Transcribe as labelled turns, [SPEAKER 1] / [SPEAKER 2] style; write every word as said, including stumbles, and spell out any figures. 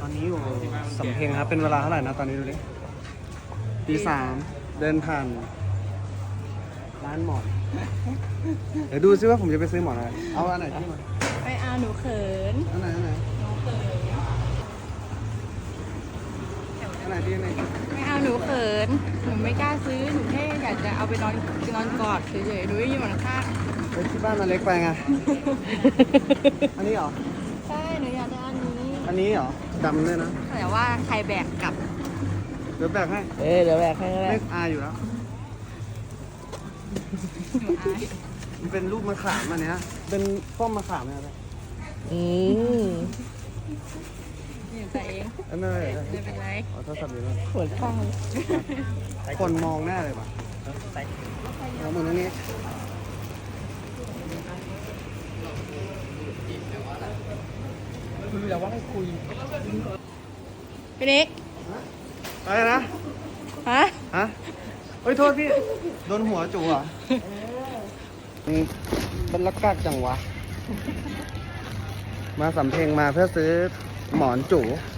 [SPEAKER 1] อนนี้อยู่สำเพ็งครับเป็นเวลาเท่าไหร่นะตอนนี้ดูดิตีสามเดินผ่านร้านหมอนเดี๋ยวดูซิว่าผมจะไปซื้อหมอนอะไรเอาอันไหนที่มา
[SPEAKER 2] ไม่เอาหนูเขิน
[SPEAKER 1] อันไหนอันไหน
[SPEAKER 2] หนูเขิน
[SPEAKER 1] อันไหนที่ไหน
[SPEAKER 2] ไม่เอาหนูเขินหนูไม่กล้าซื้อหนูแค่อยากจะเอาไปนอนนอนกอดเฉยๆหนูไม่ยืนหมอนข้าง
[SPEAKER 1] ไปที่บ้านมันเล็กไปไง อันนี้เหรอ
[SPEAKER 2] ใช่หนูอยากได้อันนี้
[SPEAKER 1] อันนี้เหรอดำด้วยนะ
[SPEAKER 2] แต่ว่าใครแบกกลับ
[SPEAKER 1] เดี๋ยวแบกให้
[SPEAKER 3] เออเดี๋ยวแบกให้ก็ได้
[SPEAKER 1] ไม่อายอยู่แล้ว
[SPEAKER 2] หนูอาย
[SPEAKER 1] มันเป็นลูกมะขามอันเนี้ยเป็นป้อมมะขามเนี่ยนะ
[SPEAKER 3] อืม
[SPEAKER 2] หนูใส่เอง
[SPEAKER 1] เอ้ยไม่ไม่ไม่
[SPEAKER 2] ไม่เป็นไร
[SPEAKER 1] เอาโทรศัพท์อยู่นู่น
[SPEAKER 3] ปวดข้าง
[SPEAKER 1] คนมองแน่เลยป่ะเอามือตรงนี้
[SPEAKER 3] คือแล้วว่าให้คุย
[SPEAKER 2] พี่นิก
[SPEAKER 1] อะไรนะ
[SPEAKER 2] ฮะ
[SPEAKER 1] ฮะเฮ้ยโทษพี่ โดนหัวจู่อ่ะอืมเป็นลักกากจังวะ มาสำเพ็งมาเพื่อซื้อหมอนจู่